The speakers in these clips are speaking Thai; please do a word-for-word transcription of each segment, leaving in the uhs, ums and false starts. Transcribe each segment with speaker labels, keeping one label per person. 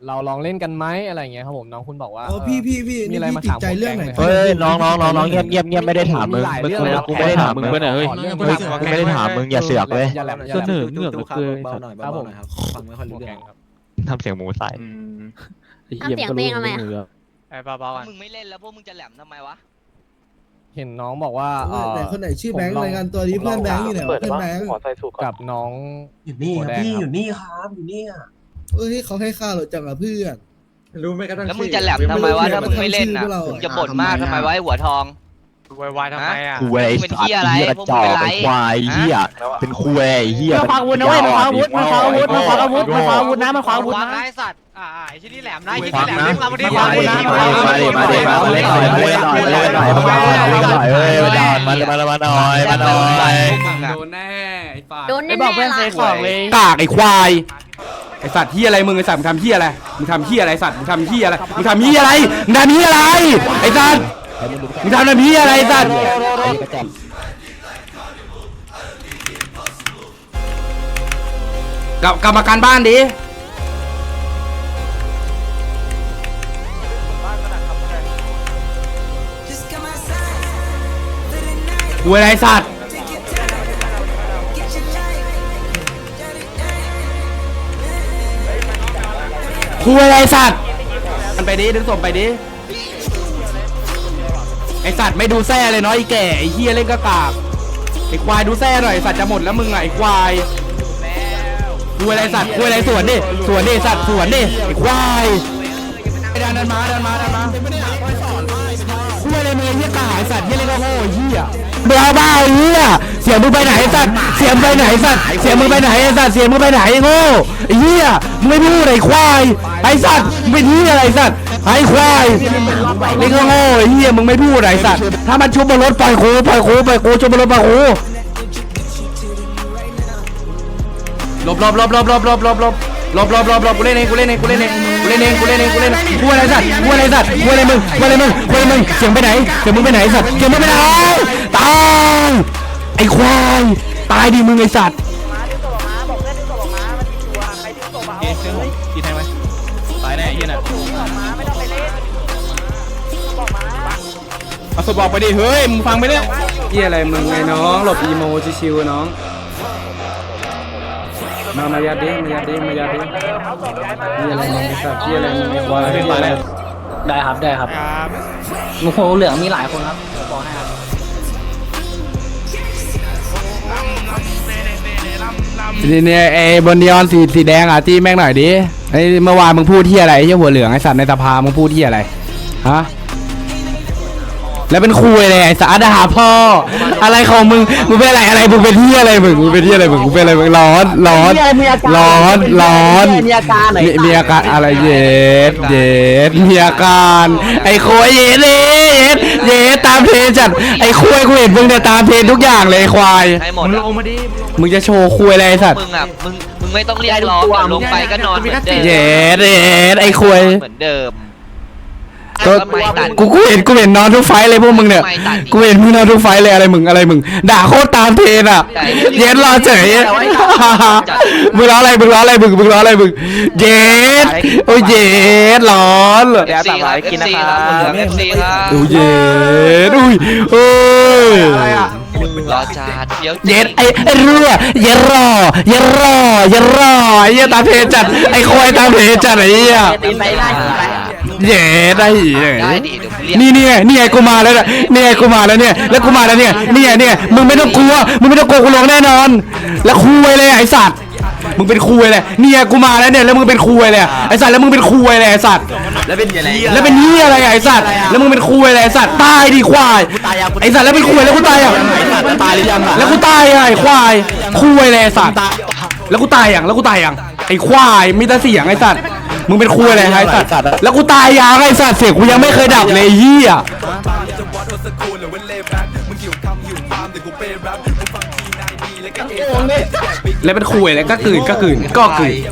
Speaker 1: เราลองเล่นกันไหมอะไรเงี้ยครับผมน้องคุณบอกว่า
Speaker 2: อ๋อพี่พี่พี่
Speaker 1: มีอะไรมา
Speaker 2: ติด
Speaker 1: ถาม
Speaker 2: ใจเรื่องไหน
Speaker 1: ผม
Speaker 3: เฮ้ยน้องน้องน้องน้องเงียบเงียบเงียบไม่ได้ถามมึง
Speaker 1: หลาย
Speaker 3: มึง
Speaker 1: เรื่อง
Speaker 3: กูไม่ได้ถามมึง
Speaker 4: เพื่อนเฮ้ย
Speaker 3: กูไม่ได้ถามมึงอย่าเสือกเลย
Speaker 1: อย่าแหลมอย่า
Speaker 4: เส
Speaker 1: แหล
Speaker 4: น
Speaker 1: ม
Speaker 4: อเหงือกเหลือเกิน
Speaker 5: เบาหน่อยเบาหน่อยครับฟังไม่ค่อยรู้
Speaker 1: หัว
Speaker 5: เรื่
Speaker 1: แก
Speaker 5: อง
Speaker 1: งครับ
Speaker 3: ทำเสียงหมูใส่
Speaker 6: ทำเสียงเพลงทำไมอะ
Speaker 4: ไอ้เบาๆกัน
Speaker 7: มึงไม่เล่นแล้วพวกมึงจะแหลมทำไมวะ
Speaker 1: เห็นน้องบอกว่าเอ่อ
Speaker 2: แต่คนไหนชื่อแบงค์
Speaker 1: ผมลอง
Speaker 2: รายงานตัวนี้เพื่อนแบงค์อยู่ไหนวะเพื่อนแบงค์
Speaker 1: กับน้อง
Speaker 8: อยู่นี่ครับพี่อยู่นี่ครับอยู่นี่อ่ะ
Speaker 2: เอ้ยเขาให้ค่าเราจังอะเพื่อน
Speaker 8: รู้ไหมกระทั่ง
Speaker 7: แล้วมึงจะแหลมทำไมวะถ้ามึงไม่เล่นน่ะ
Speaker 2: ชื่อเรามึ
Speaker 7: มึงจะบ่นมากทำไมวะไอ้หัวทอง
Speaker 4: วายวายทำไมอ่ะ
Speaker 3: คุยไอ้สัตว์เหี้ยกระจอกไอ้ควายเหี้ยเป็นคุยไอ้เหี้ย
Speaker 9: มันขวางอาวุธนะเว้ยมันขวางอาวุธมันขวางอาวุธมันขวางอาวุธมันขวางอาวุธนะมันขวางอาวุธ
Speaker 4: วาง
Speaker 9: นะ
Speaker 4: ไอ้สัตว์อ่าไอ้ที่นี่แหลมนะไอ้ที่
Speaker 3: ฟั
Speaker 4: นี่
Speaker 3: ง
Speaker 4: แหลม
Speaker 3: นะ
Speaker 4: นี่มาวันนี้
Speaker 3: มา
Speaker 4: มา
Speaker 3: ดิ
Speaker 4: วันนี้
Speaker 3: มาดิมาดิมาดิมาดิมาเล่นหน่อยมาเล่นหน่อยมาเล่นหน่อยมาเล่นหน่อยเฮ้ยมาหน่อยมามามาหน่อยมาหน่อย
Speaker 7: โดนแน่ไอ้ฝ่าย
Speaker 6: โดน
Speaker 9: ไอ้
Speaker 6: แน่
Speaker 9: บอกเพื่อน
Speaker 6: ๆ
Speaker 9: เซ
Speaker 6: ล่ะ
Speaker 9: ของเลย
Speaker 10: กากไอ้ควายไอ้สัตว์เฮียอะไรมึงไอ้สัตว์มึงทำเฮียอะไรมึงทำเฮียอะไรสัตว์มึงทำเฮียอะไรมึงทำเฮียอะไรมึงทำเฮียอะไรไอ้สัตว์มึงทำเฮียอะไรไอ้สัตว์กลับกลับมาการบ้านดิกูอะไรสัตว์กูอะไรสัตว์มันไปดิดึงส่งไปดิไอสัตว์ไม่ดูแซ่เลยเนาะไอแก่ไอเฮียเล่นกระกากไอควายดูแซ่หน่อยสัตว์จะหมดแล้วมึงไงไอควายกูอะไรสัตว์กูอะไรสวนดิสวนดิสัตว์สวนดิไอควายเดินเดินมาเดินมาเดินมากูอะไรมึงไอเฮียกาไอสัตว์เฮียเล่นก็โง่ไอเฮียเบ้าบ้าไอ้เหี้ยเสียงมึงไปไหนไอ้สัตว์เสียงไปไหนไอ้สัตว์เสียงมึงไปไหนไอ้สัตว์เสียงมึงไปไหนไอ้โง่ไอ้เหี้ยมึงไม่พูดไอ้ควายไอ้สัตว์มึงเป็นเหี้ยอะไรไอ้สัตว์ไอ้ควายเล่นก็โง่ไอ้เหี้ยมึงไม่พูดไอ้สัตว์ถ้ามันชุบบนรถปล่อยโคปล่อยโคปล่อยโคชุบบนรถปล่อยโคหลบหลบหลบหลบหลบหลบหลบหลบหลบหลบหลบหลบกูเล่นเองกูเล่นเองกูเล่นเองกูเล่นเองกูเล่นเองกูเล่นเองกูอะไรสัตว์กูอะไรสัตว์กูอะไรมึงกูอะไรมึงกูอะไรมึงเสียงไปไหนเสียงมึงไปไหนสัตว์เสียงมึงไปไหนตายไอ้ควายตายดิมึงไอ้สัตว์กี่แทงไหมตายแน่เฮียน่ะเอาสบอกไปดิเฮ้ยมึงฟังไปเนี่ยเฮียอะไรมึงไงน้องหลบอีโมชิวๆน้องมามายาดิมายาดิมายาดิเฮียอะไรมึงไอ้สัตว์เฮียอะไรมึงไอ้ควายเฮียอะไร
Speaker 9: ได้ครับได้ครับโอ้โหเหลืองมีหลายคนครับบอกให้ครับ
Speaker 10: นี่เนี่ยไอ้บนนีออนสีสีแดงอ่ะที่แม่งหน่อยดิไอ้เมื่อวานมึงพูดที่อะไรไอ้เหี้ยหัวเหลืองไอ้สัตว์ในสภามึงพูดที่อะไรฮะแล้วเป็นคุยเลยไอ้สัตว์ด่าพ่ออะไรของมึงมึงเป็นอะไรอะไรมึงเป็นที่อะไรมึงมึงเป็นที่อะไรมึงมึงเป็นอะไรมึงร้อนร้อนร้อนร้อนมีอาการไหนมีอาการอะไรเย็ดเย็ดมีอาการไอ้โคยเย็ดเย็ดเย็ดตามเพลจัดไอ้คุยกูเห็นมึงเนี่ยตามเพลทุกอย่างเลยควาย
Speaker 7: ให้หมดลงมาดิ
Speaker 10: มึงจะโชว์คุยอะไรไอ้สัตว์
Speaker 7: มึงอ่ะมึงมึงไม่ต้องเรียกร้องเดี๋ยวลงไปก็นอนเหมือนเดิม
Speaker 10: เย็ดเย็ดไอ้คุย
Speaker 7: เหมือนเดิม
Speaker 10: ก็
Speaker 7: ทำไมตัด
Speaker 10: กูกูเห็นกูเห็นนอนทุกไฟเลยพวกมึงเนี่ยกูเห็นมึงนอนทุกไฟเลยอะไรมึงอะไรมึงด่าโคตรตามเพลนอ่ะเย็ดรอเฉยมึงร้องอะไรมึงร้องอะไรมึงมึงร้องอะไรมึงเย็ดโอ้ยเย็ดร้อน
Speaker 7: เอฟซีครับเอฟซีครับเหลืองเอฟซีครับ
Speaker 10: โอ้ยเย็ดอุ้ยโอ้ย
Speaker 7: รอจาดเดี๋ยว
Speaker 10: เย็ดไอ้ไอ้รั่วเย็ดรอเย็ดรอเย็ดรอไอ้เหี้ยตามเพลจัดไอ้ควายตามเพลจัดไอ้เหี้ย
Speaker 9: ตีไปได้ตีไป
Speaker 10: เย็ดได้เหี้ย
Speaker 7: ได้ดิเดี๋ยวกูเรียก
Speaker 10: นี่นี่ไงนี่ไงกูมาแล้วเนี่ยนี่ไงกูมาแล้วเนี่ยแล้วกูมาแล้วเนี่ยนี่ไงเนี่ยมึงไม่ต้องกลัวมึงไม่ต้องกลัวกูลงแน่นอนแล้วคุยเลยไอ้สัตว์มึงเป็นคุยเลยนี่ไงกูมาแล้วเนี่ยแล้วมึงเป็นคุยเลยไอ้สัตว์แล้วมึงเป็นคุยเลยไอ้สัตว์
Speaker 5: แล้วเป็นอะไร
Speaker 10: แล้วเป็นนี่อะไรไอ้สัตว์แล้วมึงเป็นคุยเลยไอ้สัตว์ตายดิควายไอ้สัตว์แล้วเป็นคุยแล้วกูตายอ่ะ
Speaker 5: ตายหรือยัง
Speaker 10: แล้วกูตายอ่ะไอ้ควายคุยเลยไอ้สัตว์แล้วกูตายอย่างแล้วกูตายอย่างไอ้ควายมีแต่เสียงไอ้สัตว์มึงเป็นคุยอะไรไอ้สัตว์แล้วกูตายยังไอ้สัตว์เสียงกูยังไม่เคยดับเลยเหี้ยแล้วเป็นคุยอะไรก็กืนก็กืนก็กืน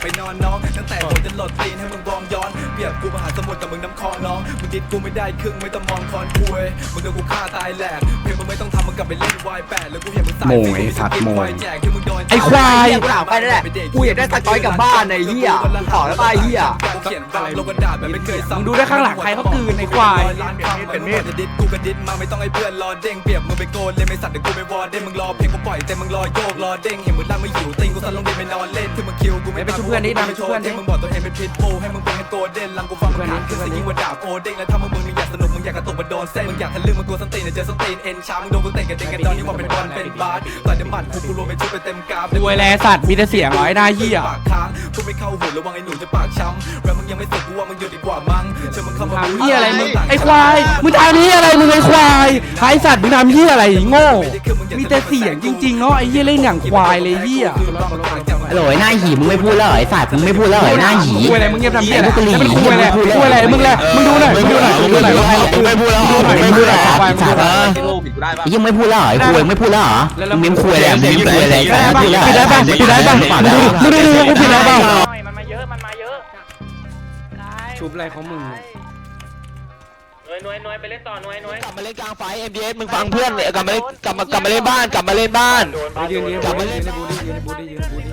Speaker 10: โมงไอ้สัตว์โมงไอ้ควาย
Speaker 5: ไปนั่นแหละกูอยากได้สกอยกลับบ้านไอ้เหี้ยต่อแล้วไปเหี้ย
Speaker 10: เขียนอะไรลงกระดาษแบบไม่เคยซ้ำมึงดูได้ข้างหลังใครเขาคืนในควายเป็นมีดจะดิดกูก็ดิดมาไม่ต้องให้เพื่อนรอเด้งเปรียบมึงไปโกนเลยไม่สัตว์เดี๋ยวกูไปวอร์เด้งมึงรอเพลงกูปล่อยแต่มึงรอโยกรอเด้งเห็นมึงล่างไม่อยู่ติงกูสั่นลงดินไปนอนเล่นที่มึงคิวกูไม่ไปช่วยเพื่อนนี่นะไปช่วยเพื่อนที่มึงบอกตัวเองเป็นพิษบูให้มึงเป็นโกเด้นลังกูฟังมึงหาขึ้นซะยิ่งกว่าดาบโอเด้งแล้วถ้ามึงมึงอยากสนุกมึงอยากกระตุกมาโดนเส้นมึงอยากทะลึ่งมึงกลัวสตีนเจอสตีนเอ็นชามึงโดนกูเตะกันเด้งกันตอนนี้ว่าเป็นบอลเป็นบาสต่อยเดมัดกูกูรวมเป็นชุดเป็นเต็มกราฟรวยแลสัตว์มีแต่เสียงร้อยหน้าเหี้ยปากค้างกูไม่เข้าหูระวังไอ้หนูจะปากช้ำแล้วมึงยังไม่เสร็จกูว่ามึงอยู่ดีกว่ามั้งเชื่อมึงเข้ามาเหี้ยอะไรมึงไอ้ควายมึงทำเหี้ยอะไรมึงไอ้ควายไอ้สัตว์มึงทำเหี้ยอะไรโง่มีแต่เสียงจริงๆเนาะไอ้เหี้ยเล่นอย่างควายเลยเหี้ย
Speaker 3: โหลหน้าหีมึงไม่พูดแล้วไอ้สัตว์มึงไม่พูดแล้วไอ้หน้าหี
Speaker 10: คุยอะไรมึงเงียบทำเหี้ยอะไรมันคุยอะไรคุยอะไรมึงแหละมึงดูหน่อยมึงดูหน่อยมึงดูหน่อยมึงไม่พูดแล้วมึงไม่พูดแล้วยังไม่พูดแล้วไอ้คุยไม่พูดแล้วเหรอมึงไม่คุยแล้วมึงไม่คุยอะไรปิดได้ป่ะปิดได้ป่ะมึงดูดูมึงปิดได้ป่ะ
Speaker 4: มันมาเยอะมันมาเยอะ
Speaker 10: ชุบอะไรของมึง
Speaker 4: หน่วยหน่วยหน่วยไปเล่นต่อหน่วยหน่วย
Speaker 3: กลับมาเล่นกลางไฟ เอ็ม ดี เอส มึงฟังเพื่อนกลับมาเล่นกลับมากลับมาเล่นบ้านกลับมาเล่นบ้าน
Speaker 10: ยืนยืนบูดี้ยืนบูดี้ยืนบูดี้ยืนบูดี้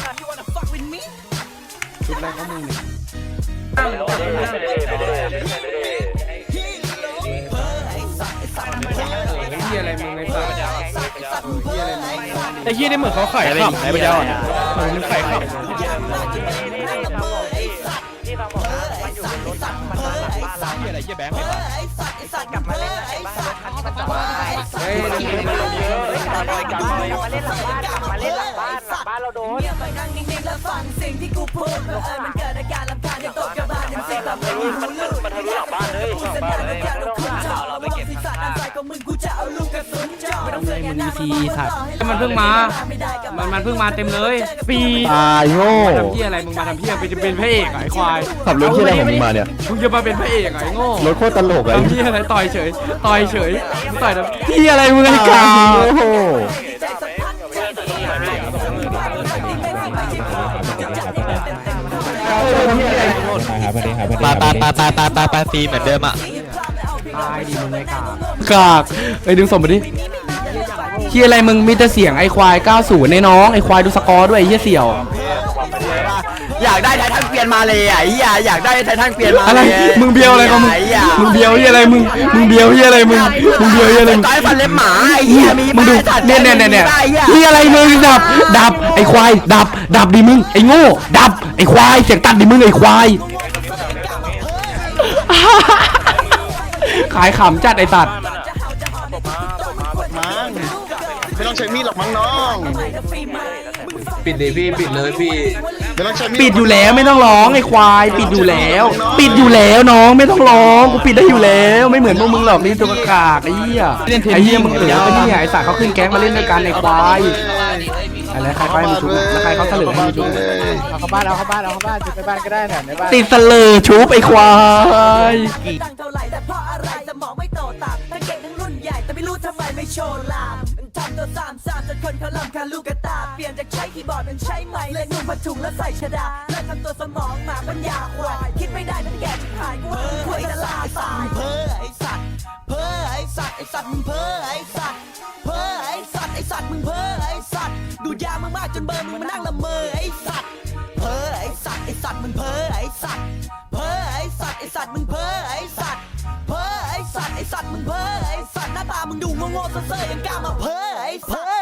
Speaker 10: ชุบอะไรของมึงเนี่ยเฮียอะไรมึงไอ้สัสเฮียอะไรมึง
Speaker 1: ไอ้ยี่นี่เหมือนเขาไข่ขับไอ้พระเจ้าเหมือนมึงไข่ขับ
Speaker 3: อะไรเหี้ยแบงค์
Speaker 4: กลับมาเล่นไอ้บ้านคันที่มันจอดเฮ้ยกลับมาเล่นหลังบ้านกลับมาเล่นหลังบ้านกลับมาเล่นหลังบ้านหลังบ้านเราโดนมันมันมันทะลุหลังบ้านเลยหลังบ้านเลยเราไปเก็บ
Speaker 10: มันมีซีสัตว์มันเพิ่งมา มันมันเพิ่งมาเต็มเลยปี
Speaker 3: ตายโง่
Speaker 10: ทำเพี้ยอะไรมึงมาทำเพี้ยเป็นเป็นพระเอกไอ้ควาย
Speaker 3: ขับรถที่อะไรของมึงมาเนี่ย
Speaker 10: มึงจะมาเป็นพระเอกไอ้โง่
Speaker 3: รถโคตรตลกเลย
Speaker 10: ทำเพี้ยอะไรต่อยเฉยต่อยเฉยมึงต่อยทำเพี้ยอะไรมึงไอ้กา
Speaker 3: โอ้โห ปาปาปาปาปาปาปาซีเหมือนเดิมอ่ะ
Speaker 10: ตายดิมึงไอ้กากากไอ้ดึงส่งมาดิเฮียอะไรมึงมีแต่เสียงไอ้ควายเก้าสิบในน้องไอ้ควายดูสกอร์ด้วยไอ้เฮียเสี่ยว
Speaker 3: อยากได้ไททันเปลี่ยนมาเลยอ่ะอยากอยากได้ไททันเปลี่ยนมา
Speaker 10: อะไรมึงเบียวอะไรของมึงมึงเบียวเฮียอะไรมึงมึงเบียวเฮียอะไรมึงมึงเบียวเฮียอะไรมึง
Speaker 3: ต่อยฟันเล็บหมาไอ้เหี้ยมี
Speaker 10: มึงดูเนี่ยเนี่ยเนี่ยเนี่ยเฮียอะไรมึงดับดับไอ้ควายดับดับดิมึงไอ้โง่ดับไอ้ควายเสียงตัดดิมึงไอ้ควายขายขำจัดไอ้สัตว์
Speaker 5: ไม่ต้องใช้มีดหรอกมั้งน้อง
Speaker 8: ปิดเลยพี่ปิดเลยพี่
Speaker 5: ไม่ต้องใช้มีด
Speaker 10: ปิดอยู่แล้วไม่ต้องร้องไอ้ควายปิดอยู่แล้ว ปิดอยู่แล้วน้องไม่ต้องร้องกูปิดได้อยู่แล้วไม่เหมือนพวกมึงหรอกนี่ตัวกากไอ้เหี้ยไอ้เหี้ยมึงเอ๋อไอ้เนี่ยไอ้สัตว์เขาขึ้นแก๊งมาเล่นด้วยกันไอ้ควายอะไรใครไปมึงชุบแล้วใครเขาเสลือให้มึงชุบ
Speaker 1: เอาเข้าบ้านเอาเข้าบ้านเอาเข้าบ้านจุดไปบ้านก็ได้น่ะในบ้าน
Speaker 10: ติดเสลือชุบไอ้ควาย
Speaker 11: ตั้งเท่าไหร่แต่เพราะอะไรสมองไม่โตตามทั้งเก่งทั้งรุ่นใหญ่แต่ไม่รู้ทำไมไม่โชว์ลามทำตัวสามสามจนคนเขาลำคาลูกกระตาเปลี่ยนจากใช้คีย์บอร์ดเป็นใช้ไม้เล่นนุ่งผ้าถุงแล้วใส่ชดาเลิกทำตัวสมองหมาปัญญาควายคิดไม่ได้มันแก่ชิบหายกูว่ามึงควรจะลาตายเพ้อไอ้สัตว์เพ้อไอ้สัตว์ไอ้สัตว์มึงเพ้อไอ้สัตว์เพ้อไอ้สัตว์ไอ้สัตว์มึงเพ้อไอ้สัตว์ดูดยามึงมากจนเบอร์มึงมานั่งละเมอไอ้สัตว์เพ้อไอ้สัตว์ไอ้สัตว์มึงเพ้อไอ้สัตว์เพ้อไอ้สัตว์ไอ้สัตว์มึงเพ้อไอ้สัตว์เพ้อไอ้สัตว์ไอ้สัตว์มึงเพ้อไอ้สัตว์หน้าตามึงดูโง่ๆเซ่อๆยังกล้ามาเพ้อไอ้เพ้อ